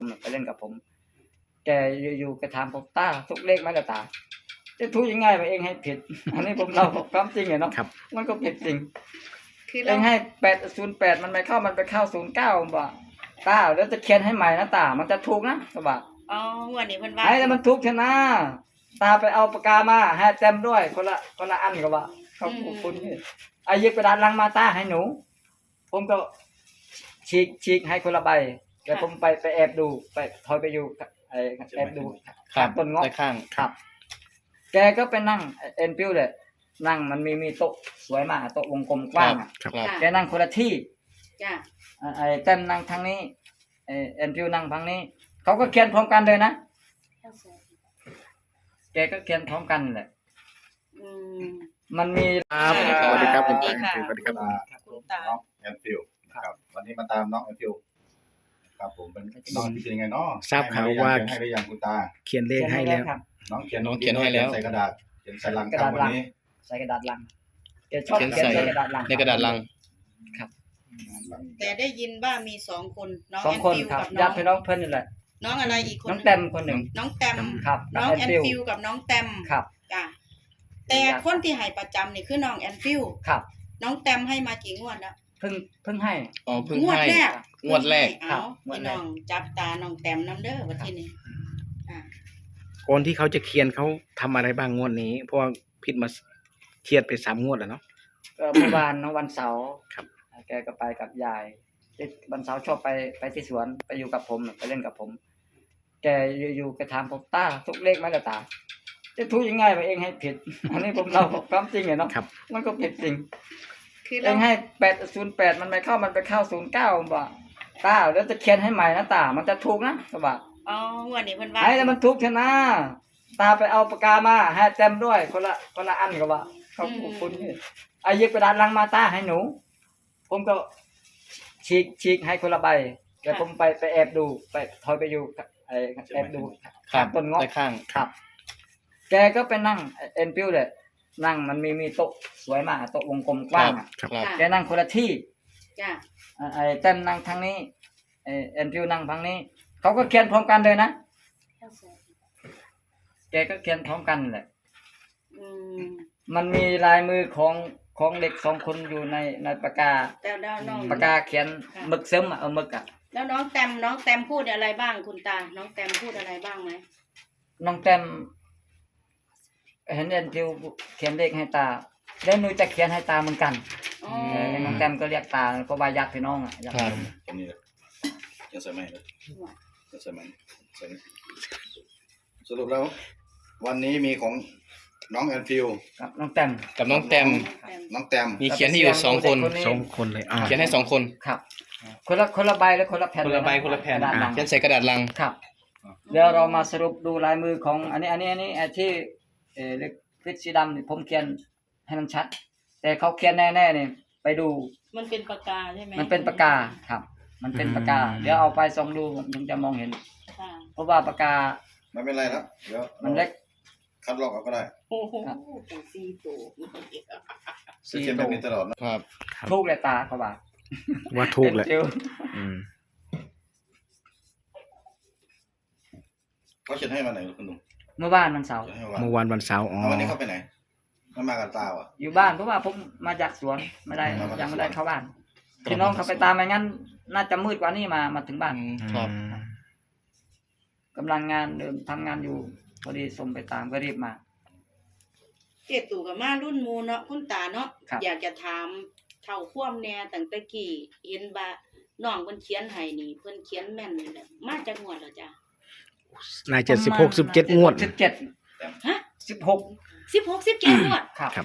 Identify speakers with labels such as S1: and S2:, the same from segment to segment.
S1: ไปเล่นกับผมแกอยู่ๆแกถามผมตาทุกเลขไหมล่ะตาจะทุกยังไงมาเองให้ผิด อันนี้ผมเล่าความจริงไงเนาะมันก็ผิดจริงเองให้808มันไม่เข้ามันไปเข้า09บ่ตาแล้วจะเขียนให้ใหม่นะตามันจะถูกนะก็บอก
S2: อ๋อวันนี้เพิ่นว่า
S1: ไอ้แล้วมันถูกชนะตาไปเอาปากกามาให้เต็มด้วยคนละอันก็ว่าเขาคุณนี่ไอ้หยิบกระดาษลังมาตาให้หนูผมก็ฉีกให้คนละใบแต่ผมไปแอบดูไปถอยไปอยู่แอบดูต้นเงาะ
S3: ข้าง
S1: ครับแกก็ไปนั่งเอ็นพิวเลยนั่งมันมีโต๊ะสวยมากโต๊ะวงกลมกว้างแกนั่งคนละที่
S2: จ้ะ
S1: ไอ้เต็มนั่งทางนี้เอ็นพิวนั่งทางนี้เขาก็เขียนพร้อมกันเลยนะแกก็เขียนพร้อมกันแหละมันมี
S3: สวัสดีครับคุณตา
S2: สวัสดีครับคุณตา
S4: น้องแอนฟิลครับวันนี้มาตามน้องแอนฟิลครับผมเป็นน้องที่เป็นยังไงเนาะ
S3: ทราบข่าวว่า
S4: ให้หรือยังคุณตา
S3: เขียนเลขให้แล้ว
S4: น้องเขียนให้แล้วใส่กระดาษเขียนใส่ลังครับวันนี้
S1: ใส่กระดาษลังแกชอบเขียนใส่กระดาษลัง
S3: ในกระดาษลัง
S1: ครับ
S2: แต่ได้ยินว่ามี2คนน้องแอนฟิลกับ
S1: ญาติพี่น้องเพิ่นนี่แหละ
S2: น้องอะไรอีกคน
S1: น้องแต้มคนหนึ่ง
S2: น้องแต้ม
S1: ครับ
S2: น้องแอนฟิลกับน้องแต้ม
S1: ครับ
S2: จ้ะแต่คนที่ให้ประจำนี่คือน้องแอนฟิล
S1: ครับ
S2: น้องแต้มให้มากี่งวดแล้ว
S1: เพิ่งให้
S3: อ๋อเพิ่งให้งวดแรก
S2: ครับพี่น้องจับตาน้องแต้มนำเด้อว่าที่นี่
S3: ก่อนที่เขาจะเขียนเขาทำอะไรบ้างงวดนี้เพราะว่าผิดมาเขียนไป3 งวดแล้วเนาะ
S1: ก็เมื่อวานวันเสาร์
S3: ครับ
S1: แกก็ไปกับยายวันเสาร์ชอบไปที่สวนไปอยู่กับผมไปเล่นกับผมแกอยู่ๆแกถามผมตาทุกเลขไหมล่ะตาจะทุกยังไงมาเองให้ผิด อันนี้ผมเล่าความจริงไงเนาะมันก็ผิดจริงเองให้808มันไม่เข้ามันไปเข้า09บ่ตาแล้วจะเขียนให้ใหม่นะตามันจะถูกนะก็บอก
S2: อ๋อวันนี้เพิ่นว่า
S1: ไอ้แล้วมันถูกชนะตาไปเอาปากกามาให้เต็มด้วยคนละอันก็ว่าเขาคุณนี่ไอ้หยิบกระดาษลังมาตาให้หนูผมก็ฉีกให้คนละใบแต่ผมไปแอบดูไปถอยไปอยู่แอบดูต้นเงาะครับแกก็ไปนั่งเอ็นพิวเลยนั่งมันมีโต๊ะสวยมากโต๊ะวงกลมกว้างแกนั่งคนละที่
S2: จ้ะ
S1: ไอ้เต็มนั่งทางนี้เอ็นพิวนั่งทางนี้เขาก็เขียนพร้อมกันเลยนะแกก็เขียนพร้อมกันแหละมันมีลายมือของเด็ก2 คนอยู่ในปากกาปากกาเขียนหมึกซึมหมึก
S2: แล้วน้องแต้มพูดอะไรบ้างคุณตาน้องแต้มพูดอะไรบ้างไหม
S1: น้องแต้มเห็นเอ็นพิวเขียนเลขให้ตาแล้วหนูจะเขียนให้ตาเหมือนกันน้องแต้มก็เรียกตาก็ว่าญาติพี่น้องญาติ
S4: ตรงนี้เลยยังใส่ไหมเลยยังใส่ไหมสรุปแล้ววันนี้มีของน้องแอนฟิล
S1: กับน้องแต้ม
S3: น้องแต้มมีเขียนให้อยู่2 คนเลยเขียนให้2 คน
S1: ครับคนละใบและคนละแผ่น
S3: คนละแผ่นเขียนใส่กระดาษลัง
S1: ครับเดี๋ยวเรามาสรุปดูลายมือของอันนี้ที่เล็กสีดำนี่ผมเขียนให้มันชัดแต่เขาเขียนแน่ๆนี่ไปดู
S2: มันเป็นปากกาใช่ไหม
S1: มันเป็นปากกาครับมันเป็นปากกาเดี๋ยวเอาไปส่องดูถึงจะมองเห็นเพราะว่าปากกา
S4: ไม่เป็นไรแล้วเดี๋ยว
S1: มันเล็ก
S4: คัดลอกเอาก็ได้
S2: โอ้โห4 ตัว
S4: เขียนแบบนี้ตลอดนะครับ
S1: ถูกเลยตาเขา
S3: ว่าถูกเลย
S4: เขาเขียนให้มาไหนคุณลุง
S1: เมื่อวานวันเสาร์
S3: วันเสาร์อ๋อ
S4: วันนี้เขาไปไหนไม่มากับตาอ่ะ
S1: อยู่บ้านเพราะว่าผมมาจากสวนไม่ได้ยังไม่ได้เข้าบ้านพี่น้องเขาไปตามไม่งั้นน่าจะมืดกว่านี้มาถึงบ้าน
S3: ครับ
S1: กำลังงานเดิมทำงานอยู่พอดีส่งไปตามก็รีบมา
S2: เกตู่กับมารุ่นมูเนาะคุณตาเนาะอยากจะถามเท่าคว่ำแน่ตั้งแต่กี้เห็นว่าน้องเพิ่นเขียนให้นี่เพิ่นเขียนแม่นนี่แหละมาจากงวดแล้วจ้ะ
S3: น่าจะ16 17 งวด
S1: 17ฮะ
S2: 17งวด
S1: ครับ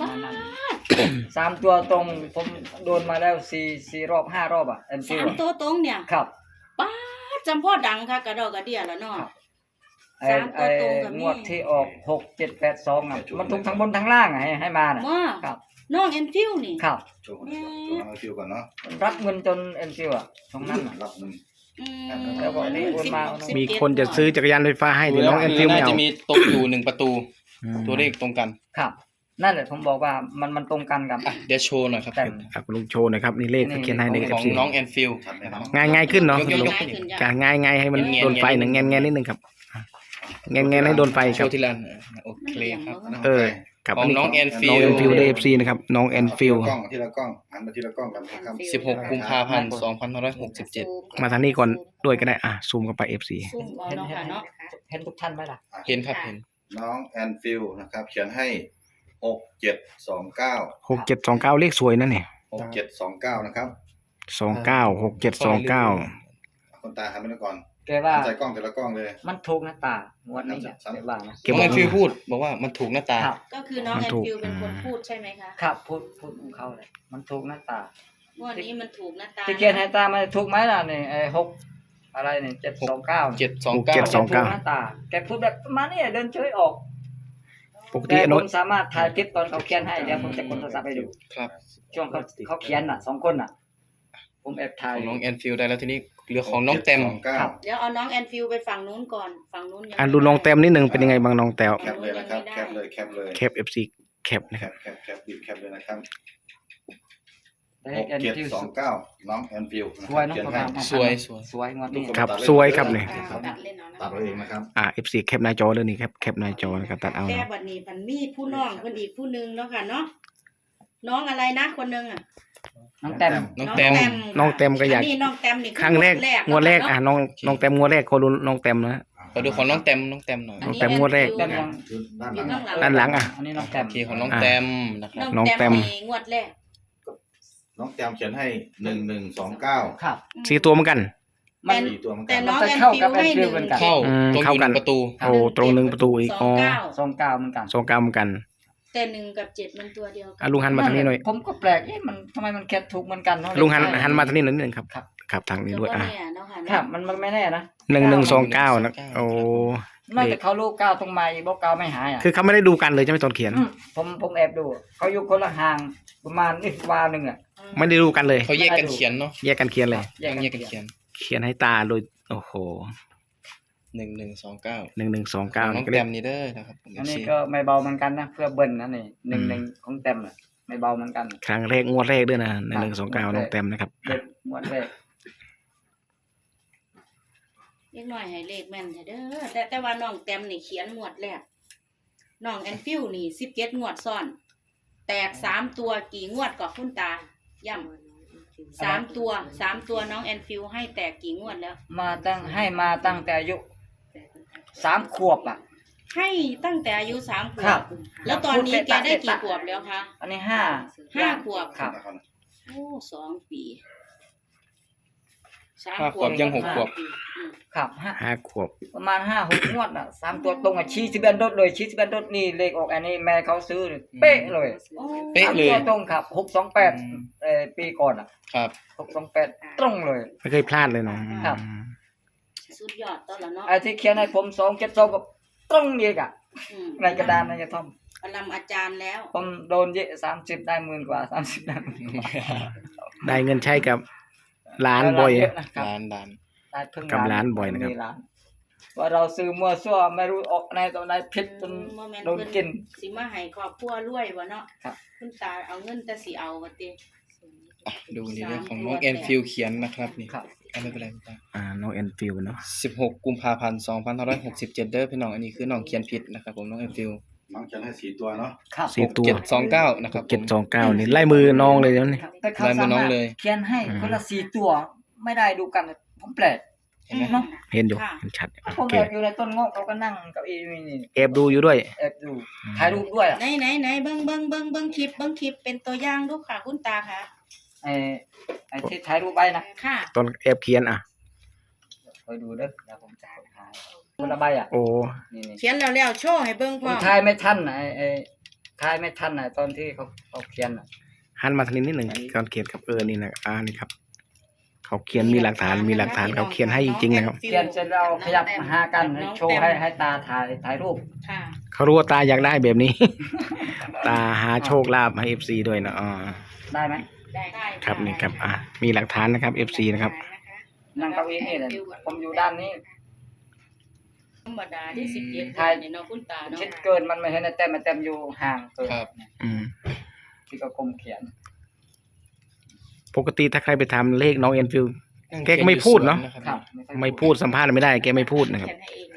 S1: 3 ตัวตรงผมโดนมาแล้ว4 รอบ 5 รอบอ่ะ
S2: 3 ตัวตรงเนี่ย
S1: ครับ
S2: ป้าจำพ่อดังค่ะกระดอกกระเดี่ยแล้วเนาะ3 ตัวตรงกับ
S1: งวดที่ออก6 7 8 2อ่ะมันถูกทั้งบนทั้งล่างให้มาน่ะครับ
S2: น้องแอนฟิลนี่
S1: ครับ
S4: น้องแอนฟิลก่อนเนาะ
S1: รับเงินจนแอนฟิลอ่ะตรงนั้น
S4: รับเงิน
S1: แล้วบอกนี่โอนมา
S3: มีคนจะซื้อจักรยานไฟฟ้าให้แต่น้องแอนฟิลไม่เอา
S5: น่าจะมีตกอยู่1 ประตูตัวเลขตรงกัน
S1: ครับนั่นแหละผมบอกว่ามันตรงกันกับ
S3: อ่ะเดี๋ยวโชว์หน่อยครับ
S1: แต่
S3: คุณลุงโชว์หน่อยครับนี่เลขที่เขียนให้ใน ของ FC น้องแอนฟิล
S4: ชัดไหมเนาะ
S3: ง่ายขึ้นเนาะ
S2: ยก
S3: ลุง
S2: ง่ายขึ้นจ้ะ
S3: การง่ายให้มันโดนไฟหนึ่งแงนนิดนึงครับแงนให้โดนไฟโชครับว์ทีละโอเคครับ
S2: มัน
S3: เออ
S2: เรียงบ่
S3: กับ
S2: วะ
S3: น้องแอนฟิ
S4: น้
S3: ล
S4: อง
S3: ฟิลได้ FC นะครับน้องแอนฟิล
S4: ทีละกล้องหันมาทีละกล้องกันนะครับ
S3: 16 กุมภาพันธ์ 2567 มาทางนี้ก่อนด้วยก็ได้ซูมเข้าไป FC
S2: ซุ่มเอาเนาะค่ะเนาะ
S1: เห็นทุกท่านไหมล่ะ
S3: เห็นครับเห็น
S4: น้องแอนฟิลนะครับ เขียนให้6729
S3: 6729เลขสวยนะเนี่ย
S4: 6729นะครับ
S3: 296729
S4: คนตาหันไปก่อน
S1: แกว่า
S4: ใส่กล้องแต่ละกล้องเลย
S1: มันถูกนะตางวดนี้เนี่ยแกว่านะ
S3: น้องแอนฟิลพูดบอกว่ามันถูกหน้าตา
S1: ครับ
S2: ก็คือน้องแอนฟิลเป็นคนพูดใช่ไหมคะ
S1: ครับพูดของเขาเลยมันถูกหน้าตาง
S2: วดนี้มันถูกนะตา
S1: ที่เกียนให้ตามันถูกไหมล่ะนี่ไอ้6อะไรนี่729
S3: 729
S1: แกถูกหน้าตาแกพูดแบบประมาณนี้เดินเฉยออก
S3: ปกติ
S1: แต่
S3: โน้
S1: ผ
S3: ต
S1: มสามารถถ่ายคลิปตอนเขาเขียนให้เดี๋ยวผมจะกดโทรศัพท์ให้ดู
S3: ครับ
S1: ช่วงเขาเขียนน่ะ2คนน่ะ ผมแอบถ่า
S3: ข
S1: ย
S3: องน้องแอนฟิลได้แล้วทีนี้เหลือของน้องแตม
S1: ครับ
S2: เดี๋ยวเอาน้องแอนฟิลไปฝั่งนู้นก่อนฝั่งนู้นยัง
S3: อ่ะดูน้องแตมนิดนึงเป็นยังไงบ้างน้องแตว
S4: แคปเลยนะครับ แคปเลยแคปเลย
S3: แคป FC แคปนะ
S4: แค
S3: ครับ
S4: ปแคปบีบแคปเลยนะครับ
S1: ได้แอนฟิว
S4: 6729น้องแอนฟิล
S1: สวยเนาะ
S4: เขียน
S1: ประ
S4: ให้
S1: มาณ
S3: สวย
S1: สวยงวดนี้
S3: ครับสวยครับเนี่ย
S2: ตัดเล่นเอานะ
S4: ตัดเอาเองนะครับ
S3: FC แคปหน้าจอเลยนี่ครับแคปหน้าจอนะครับตัดเอา
S2: แต่
S3: เนาะ
S2: บัดนี้พันมีผู้น้องคนอีกผู้หนึงเนาะค่ะเนาะน้องอะไรนะคนหนึงอ่ะ
S1: น้องแต้ม
S3: น้องแตม
S2: ค่ะ
S3: น้องแตมก็อยาก
S2: นนี้น้องแตมนี่
S3: ครั้งแรกงวดแรก
S2: เนาะ
S3: น้องแตมงวดแรกคนรู้น้องแตมนะขอดูของน้องแตมหน่อย
S2: อันนี้
S3: น้องแตมงวดแรก
S2: อน
S1: แต้ม
S2: ฟิล
S1: ยัง
S4: คือด้านหลัง
S3: ด้านหลังอ่ะ
S1: อันนี้น้องแต้ม
S3: โอเคของน้องแตมนะครับ
S2: น้องแตม
S3: น้องแตม
S2: นี่งวดแรก
S4: น้องแตมเขียนให้1129
S1: ครับ
S3: สี่ตัวเหมือนกัน
S1: มัน
S4: 4ตัวเหมือน
S2: แต่
S4: กัน
S2: น้อง
S1: มัน
S2: แอ
S1: จะ
S2: น
S1: เข้า
S2: ฟิ
S1: กับ
S2: ลให้
S1: แอนฟิ
S2: ห
S1: ล
S2: นึ่ง
S1: เหมือนกัน
S3: เข้า ตรงอยู่ เข้ากัน 1ประตู
S2: ค่ะ
S3: โอ้ตรง1ประตูอีกอ๋อ
S2: 29
S1: 29เหมือนกัน
S3: 29เหมือนกัน
S2: แต่1กับ7มันตัวเดียวกั
S3: อ่ะลุงหันมาทางนี้หน่อย
S1: ผมก็แปลกมันทำไมมันแคทถูกเหมือนกันเนาะ
S3: ลุงหันมาทางนี้หน่อยนิดนึงครับ
S1: ครับ
S3: ครับทางนี้
S2: แต่
S3: ด้วย
S2: ว่า
S3: อ่ะ
S2: เนี่ยเนาะค่ะ
S1: ครั
S2: เนาะ
S1: บมันไม่แน่นะ
S3: 1129นะโอ้
S1: น่าจะเขาลูกก้าวตรงไม้บอกก้าวไม่หายอ่ะ
S3: คือเขาไม่ได้ดูกันเลยใช่ไหมตอนเขียน
S1: ผมแอบดูเขาอยู่คนละห่างประมาณอีกวาหนึ่งอ่ะ
S3: ไม่ได้ดูกันเลย
S5: เขาแยกกันเขียนเนาะ
S3: แยกกันเขียนเลย
S1: แยก
S5: แยก
S1: กั
S5: กัน น
S1: เขียน
S5: เขียน
S3: เขียนให้ตาโดยโอ้โห
S5: 1129
S3: 1129
S5: น้อง
S3: ก็
S5: แต
S3: เรียก
S5: มนี่เด้อนะครับผม
S1: อันนี้
S5: FC
S1: ก็ไม่เบาเหมือนกันนะเพื่อเบิ้ลนะนี่1ของเต็มอ่ะไม่เบาเหมือนกัน
S3: ครั้งแรกงวดแรกด้วยนะ1129น้องแตมนะครับ
S1: เด็ดหมดเลย
S2: เล็กน้อยให้เลขแม่นเด้อแต่ว่าน้องแตมนี่เขียนงวดแรกน้องแอนฟิลนี่17งวดซ้อน แตก3ตัวกี่งวดก็คุณตาย่ำ3ตัวน้องแอนฟิลให้แตกกี่งวดแล้ว
S1: ให้มาตั้งแต่อายุ3 ขวบอ่ะ
S2: ให้ตั้งแต่อายุ3 ขว
S1: ครับ บ
S2: แล้วตอนนี้แกได้กี่ขวบแล้วคะ
S1: อันนี้
S2: 5
S1: 5
S2: ขวบ
S1: ครับ
S2: โอ้2 ปี3
S5: 5 ขวบยัง6 ขวบ
S1: ครับ
S3: 5 ขวบ
S1: ประมาณ5-6 งวดอ่ะ3 ตัวตรงอ่ะชี้สิบเอ็ดรถเลยชี้สิบเอ็ดรถนี่เลขออกอันนี้แม่เขาซื้อเลยเป๊ะเลย
S2: โอ้
S5: เป๊ะเลย
S1: 3ตัวตรงครับ628ปีก่อนอ่ะ
S5: ครับ
S1: 628ตรงเลย
S3: ไม่เคยพลาดเลยนะ
S1: ครับ
S2: สุดยอดตอนละเนาะ
S1: ไอ้ที่เขียนให้ผม272กับตรงอีกอ่ะ
S2: อืม
S1: ในกระดานในกระท่อม
S2: ปรมาจารย์แล้ว
S1: ผมโดนเยอะ30ได้10,000 กว่า30ได้10,000 กว่า
S3: ได้เงินใช้กับร้านบ่อย
S1: เยอะนะครับ
S5: ล้าน
S1: ได้เพิ่ง
S3: กับร้านบ่อยนะครับ
S1: มีร้านว่าเราซื้อมั่วซั่วไม่รู้ออกในตัวไหนผิดจน
S2: บ่แม่น
S1: โดนกิน
S2: สิมาให้ครอบครัวรวยวะเนาะ
S1: ครับ
S2: คุณตาเอาเงินแต่สิเอาว่าติ
S5: อ่ะดูนี่เรื่องของน้องแอนฟิลเขียนนะครับนี่
S1: ครับ
S5: ไม่เป็นไรไม่เป็นไร
S3: น้องแอนฟิลเนาะ
S5: 16 กุมภาพันธ์ 2567 เด้อพี่น้องอันนี้คือน้องเขียนผิดนะครับผมน้องแอนฟิล
S4: น้องเขียนให้4ตัวเนาะ
S1: ครับ
S3: สี่ตัว
S5: 6729นะครับผม
S3: 729นี่ไล่มือน้องเลยแล้วนี่
S1: ครับแต่เขา
S5: ลายมื
S1: สา
S5: อน้อ
S1: มาง รถ
S5: เลย
S1: เขียนให้คนละ4 ตัวไม่ได้ดูกันผมแปลก
S5: เห็นไหม
S1: เนาะ
S3: เห็นอยู่เห็นชัด
S1: ผม
S3: โอเค
S1: แอบอยู่ในต้นเงาะเขาก็นั่งเก้าอี้นี่
S3: แอบดูอยู่ด้วย
S1: แอบดูถ่ายรูปด้วยอ่ะ
S2: ไหนเบิ่งคลิปเป็นตัวอย่างดูค่ะคุณตาค่ะ
S1: ไอ้ที่ถ่ายรูปไว้นะ
S2: ค่ะ
S3: ตอนแอบเขียนอ่ะ
S1: คอยดูเด้อเดี๋ยวผมจะถ่ายคนละใบอ่ะ
S3: โอ้
S1: นี่
S2: เขียนแล้วโชว์ให้เบิ่ง
S1: ผ
S2: พ่อ
S1: มถ่ายไม่ทันนะถ่ายไม่ทันนะตอนที่เขาเขียนอ่ะ
S3: หันมาทางนี้นิดหนึ่งตอนเขียนครับนี่นะนี่ครับ เขาเขียนมีหลักฐานเขาเขียนให้จริงๆนะครับ
S1: เขียนเสร็จแล้วขยับมาหากันโชว์ให้ตาถ่ายรูป
S2: ค่ะ
S3: เขารู้ว่าตาอยากได้แบบนี้ ตาหาโชคลาภให้ FC ด้วยนะ
S1: ได้ไหม
S2: ได้
S3: ครับนี่ครับมีหลักฐานนะครับ FC นะครับ
S1: นั่งเก้าอี้นี่เลยผมอยู่ด้านนี้
S2: ธรรมดาที่17
S1: ใช่
S2: นี่เนาะคุณตาเนาะ
S1: คิดเกินมันไม่เห็นไอ้แต้มไอ้แต้มอยู่ห่างเกิน
S5: ครับ
S3: อืม
S1: ที่ก็กลมเขียน
S3: ปกติถ้าใครไปถามเลขน้องแอนฟิล แกก็ไม่พูดเนาะ
S1: ครับ
S3: ไม่พูดสัมภาษณ์ไม่ได้แกไม่พูดนะครับ
S2: เขียนให้เอง